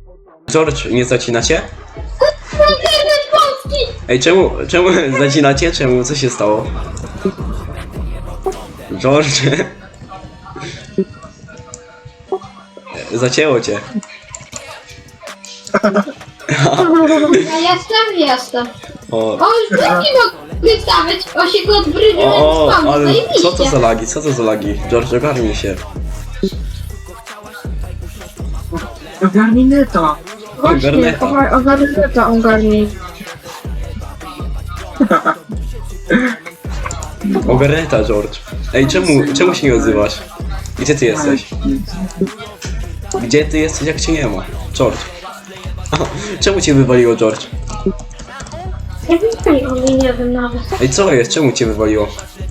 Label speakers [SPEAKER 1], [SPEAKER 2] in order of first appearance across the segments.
[SPEAKER 1] George, nie zacinacie?
[SPEAKER 2] Internet polski!
[SPEAKER 1] Ej, czemu zacinacie? Czemu? Co się stało? George? Zacięło cię.
[SPEAKER 2] Ja jestem.
[SPEAKER 1] O,
[SPEAKER 2] O, już drugi mogę stawiać. O, się go odbrydziłem
[SPEAKER 1] o,
[SPEAKER 2] z
[SPEAKER 1] ale
[SPEAKER 2] zajebiście.
[SPEAKER 1] co to za lagi? Co to za lagi? George, ogarnij się.
[SPEAKER 3] Ogarnij neta.
[SPEAKER 4] Właśnie,
[SPEAKER 1] Ogarneta.
[SPEAKER 4] ogarnij.
[SPEAKER 1] Ogarneta, George. Ej, czemu się nie odzywasz? Gdzie ty jesteś? Gdzie ty jesteś, jak cię nie ma? George. Czemu cię wywaliło, George?
[SPEAKER 2] Nie wiem, nie wiem nawet.
[SPEAKER 1] Ej, co jest? Czemu cię wywaliło?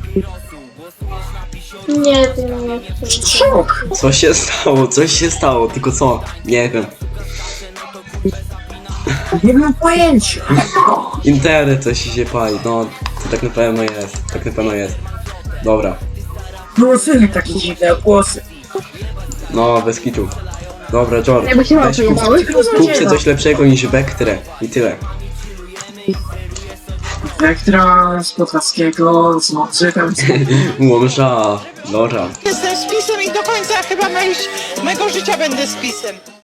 [SPEAKER 2] Nie wiem.
[SPEAKER 3] Szok.
[SPEAKER 1] Co się stało? Coś się stało, tylko co? Nie wiem.
[SPEAKER 3] Nie mam pojęcia.
[SPEAKER 1] Internet coś się pali, no to tak na pewno jest, tak na pewno jest. Dobra,
[SPEAKER 3] Głosy takie dziwne głosy.
[SPEAKER 1] no bez kitu. Dobra, George,
[SPEAKER 4] Jakby się
[SPEAKER 1] weź
[SPEAKER 4] wyjebały.
[SPEAKER 1] kup się coś lepszego niż Vectre i tyle.
[SPEAKER 3] Wektra z Podlaskiego, z Mądrzykiem.
[SPEAKER 1] Łomża, dobra.
[SPEAKER 5] Jestem spisem i do końca chyba mego życia będę spisem.